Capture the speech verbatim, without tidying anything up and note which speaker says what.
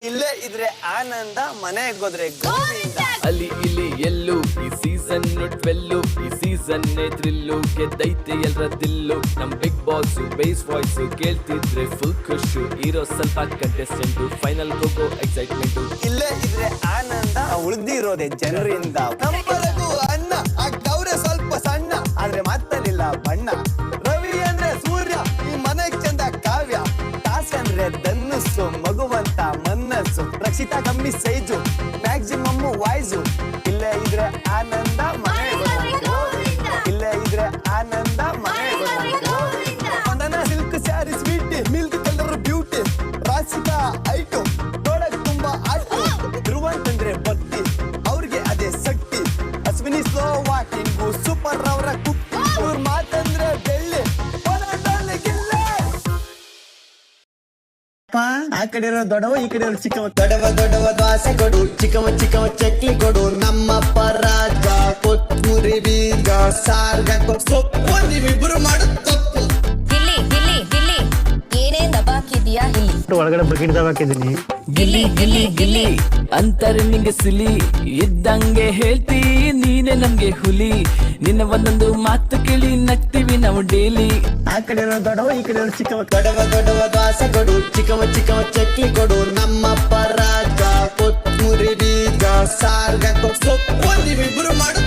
Speaker 1: ಇಲ್ಲೇ ಇದ್ರೆ ಆನಂದ, ಮನೆಗೆ ಹೋದ್ರೆ ಗೋವಿಂದ.
Speaker 2: ಅಲ್ಲಿ ಇಲ್ಲಿ ಎಲ್ಲೂ ಈ ಸೀಸನ್ ಟ್ವೆಲ್ಲು, ಈ ಸೀಸನ್ ಥ್ರಿಲ್ಲು, ಗೆದ್ದೈತೆ ಎಲ್ರ ದಿಲ್ಲು. ನಮ್ ಬಿಗ್ ಬಾಸ್ ಬೇಸ್ ವಾಯ್ಸ್ ಕೇಳ್ತಿದ್ರೆ ಫುಲ್ ಖುಷು. ಇರೋ ಸ್ವಲ್ಪ ಕಂಟೆಸ್ಟೆಂಟ್ ಫೈನಲ್ ಹೋಗೋ ಎಕ್ಸೈಟ್ಮೆಂಟ್.
Speaker 1: ಇಲ್ಲೇ ಇದ್ರೆ ಆನಂದ, ಉಳ್ದಿರೋದೆ ಜನರಿಂದ. ನಮ್ಮವರೆಗೂ ಅನ್ನ ಆಗ್ತವ್ರೆ ಸ್ವಲ್ಪ ಸಣ್ಣ, ಆದ್ರೆ ಮಾತಲ್ಲಿಲ್ಲ ಬಣ್ಣ. ರವಿ ಅಂದ್ರೆ ಸೂರ್ಯ, ಈ ಮನೆಗ್ ಚಂದ ಕಾವ್ಯ. ಟಾಸ್ ಅಂದ್ರೆ ಧನುಸ್ಸು, ಮಗುವಂತ ಮನಸ್ಸು. ರಕ್ಷಿತಾ ಕಮ್ಮಿ ಸೈಜು, ಮ್ಯಾಕ್ಸಿಮಮ್ ವಾಯ್ಸು. ಇಲ್ಲೇ ಇದ್ರೆ ಆನಂದ, ಮನೆಗೆ ಹೋದ್ರೆ ಗೋವಿಂದ. ಇಲ್ಲೇ ಇದ್ರೆ ಆನಂದ, ಮನೆಗೆ ಹೋದ್ರೆ ಗೋವಿಂದ. ಒಂದನ silk sari sweet, milk colour beauty. Rasika ಐಟು, ನೋಡಕ್ ತುಂಬಾ ಆಟು. ಧ್ರುವಂತಂದ್ರೆ ಭಕ್ತಿ, ಅವ್ರಿಗೆ ಅದೇ ಶಕ್ತಿ. ಅಶ್ವಿನಿ ಸ್ಲೋ ವಾಕಿಂಗು, ಸೂಪರ್ ಅವರ ಕುಕ್ಕಿ. ಅವ್ರ ಮಾತಂದ್ರೆ ಬೆಳ್ಳಿ, ಹೋರಾಟದಲ್ಲಿ ಗಿಲ್ಲಿ. ಆ ಕಡೆ ಇರೋ ದೊಡ್ಡವ, ಈ ಕಡೆ ಇರೋ ಚಿಕ್ಕವ. ದೊಡ್ಡವ ದೊಡ್ಡವ ದೋಸೆ ಕೊಡು, ಚಿಕ್ಕವ ಚಿಕ್ಕವ ಚಕ್ಲಿ ಕೊಡು. ನಮ್ಮಪ್ಪ ರಾಜ ಕೊತ್ತೂರಿ ಬೀಗ ಸಾರ್ಗ ಸೊಪ್ಪು. ನೀವಿಬ್ರು ಮಾಡು ತಪ್ಪು.
Speaker 3: ಗಿಲ್ಲಿ ಗಿಲ್ಲಿ ಗಿಲ್ಲಿ ಏನೇನ್ ದಬಾಕಿದ್ಯಾ ಇಲ್ಲಿ?
Speaker 4: ಒಳಗಡೆ ಬಕೆಟ್ ಹಾಕಿದೀನಿ.
Speaker 2: ಗಿಲ್ಲಿ ಗಿಲ್ಲಿ ಗಿಲ್ಲಿ ಅಂತಾರೆ ನಿಂಗೆ ಸಿಲಿ. ಇದ್ದಂಗೆ ಹೇಳ್ತಿ ನೀನೆ ನಮ್ಗೆ ಹುಲಿ. ನಿನ್ನ ಒಂದೊಂದು ಮಾತು ಕೇಳಿ ನಗ್ತೀವಿ ನಾವು ಡೈಲಿ.
Speaker 1: ಆ ಕಡೆ ಇರೋ ದೊಡ್ಡವ, ಈ ಕಡೆ ಇರೋ ಚಿಕ್ಕವ.
Speaker 5: ದೊಡ್ಡವ ದೊಡ್ಡವ ದೋಸೆ ಕೊಡು, ಚಿಕ್ಕವ ಚಿಕ್ಕವ ಚಕ್ಲಿ ಕೊಡು. ನಮ್ಮಪ್ಪ ರಾಜ ಕೊತ್ತೂರಿ ಬೀಗ ಸಾರ್ಗ ಸೊಪ್ಪು. ನೀವಿಬ್ರು ಮಾಡು